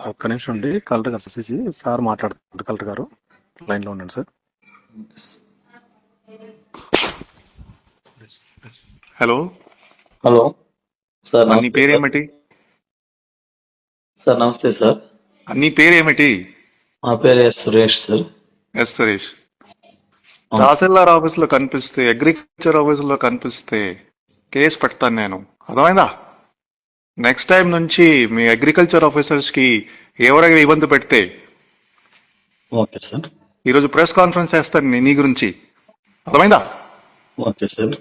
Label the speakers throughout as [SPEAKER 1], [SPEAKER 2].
[SPEAKER 1] ఒక్క నిమిషం అండి. కలెక్టర్ గారు సిసి సార్ మాట్లాడుతున్నారు. కలెక్టర్ గారు లైన్ లో ఉండండి సార్.
[SPEAKER 2] హలో
[SPEAKER 3] హలో సార్,
[SPEAKER 2] నీ
[SPEAKER 3] నమస్తే సార్.
[SPEAKER 2] పేరేమిటి?
[SPEAKER 3] సార్ నమస్తే సార్.
[SPEAKER 2] నీ పేరేమిటి?
[SPEAKER 3] మా పేరు సురేష్ సార్.
[SPEAKER 2] ఎస్ సురేష్.
[SPEAKER 3] అవును.
[SPEAKER 2] తహసీల్దార్ ఆఫీస్ లో కనిపిస్తే, అగ్రికల్చర్ ఆఫీస్ లో కనిపిస్తే కేసు పెడతాను నేను. అర్థమైందా? నెక్స్ట్ టైం నుంచి మీ అగ్రికల్చర్ ఆఫీసర్స్ కి ఎవరైనా ఇబ్బంది పెడితే
[SPEAKER 3] ఓకే సార్.
[SPEAKER 2] ఈరోజు ప్రెస్ కాన్ఫరెన్స్ చేస్తాను నీ గురించి. అర్థమైందా?
[SPEAKER 3] Okay sir.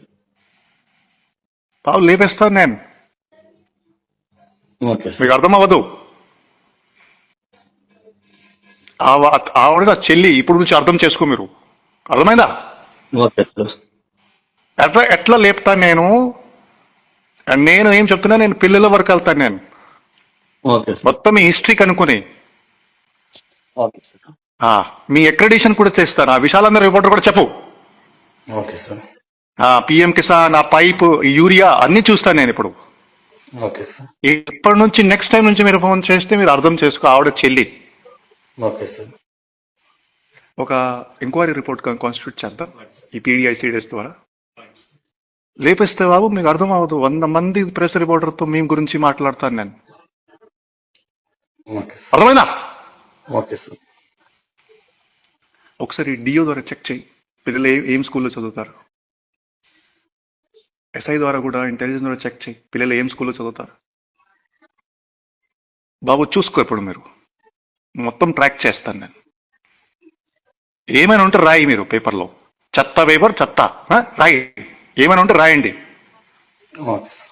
[SPEAKER 2] పావు లేపేస్తాను నేను.
[SPEAKER 3] Okay sir.
[SPEAKER 2] మీకు అర్థం అవ్వదు. ఆవిడ నా చెల్లి. ఇప్పుడు నుంచి అర్థం చేసుకో మీరు. అర్థమైందా?
[SPEAKER 3] Okay sir.
[SPEAKER 2] ఎట్లా లేపుతాను నేను? అండ్ నేను ఏం చెప్తున్నా, నేను పిల్లల వరకు వెళ్తాను నేను.
[SPEAKER 3] Okay sir.
[SPEAKER 2] మొత్తం మీ హిస్టరీ కనుక్కొని
[SPEAKER 3] ఓకే సార్.
[SPEAKER 2] మీ అక్రెడిషన్ కూడా చేస్తాను. ఆ విశాలందరూ రిపోర్టర్ కూడా చెప్పు.
[SPEAKER 3] Okay sir.
[SPEAKER 2] పిఎం కిసాన్, ఆ పైప్, యూరియా అన్ని చూస్తాను నేను ఇప్పుడు.
[SPEAKER 3] Okay sir.
[SPEAKER 2] ఇప్పటి నుంచి నెక్స్ట్ టైం నుంచి మీరు ఫోన్ చేస్తే మీరు అర్థం చేసుకో, ఆవిడ చెల్లి.
[SPEAKER 3] Okay sir.
[SPEAKER 2] ఒక ఎంక్వైరీ రిపోర్ట్ కాన్స్టిట్యూట్ చేద్దాం ఈ పీడిఐసిడిఎస్ ద్వారా. లేపిస్తే బాబు మీకు అర్థం అవ్వదు. 100 మంది ప్రెస్ రిపోర్టర్తో మీ గురించి మాట్లాడతాను నేను.
[SPEAKER 3] Okay sir.
[SPEAKER 2] అర్థమైందా?
[SPEAKER 3] Okay sir.
[SPEAKER 2] ఒకసారి డిఓ ద్వారా చెక్ చేయి, పిల్లలు ఏం స్కూల్లో చదువుతారు. ఎస్ఐ ద్వారా కూడా, ఇంటెలిజెన్స్ ద్వారా చెక్ చేయి, పిల్లలు ఏం స్కూల్లో చదువుతారు. బాబు చూసుకో. ఇప్పుడు మీరు మొత్తం ట్రాక్ చేస్తాను నేను. ఏమైనా ఉంటే రాయి మీరు పేపర్లో. చెత్త పేపర్ చెత్త రాయి. ఏమైనా ఉంటే రాయండి.
[SPEAKER 3] Okay sir.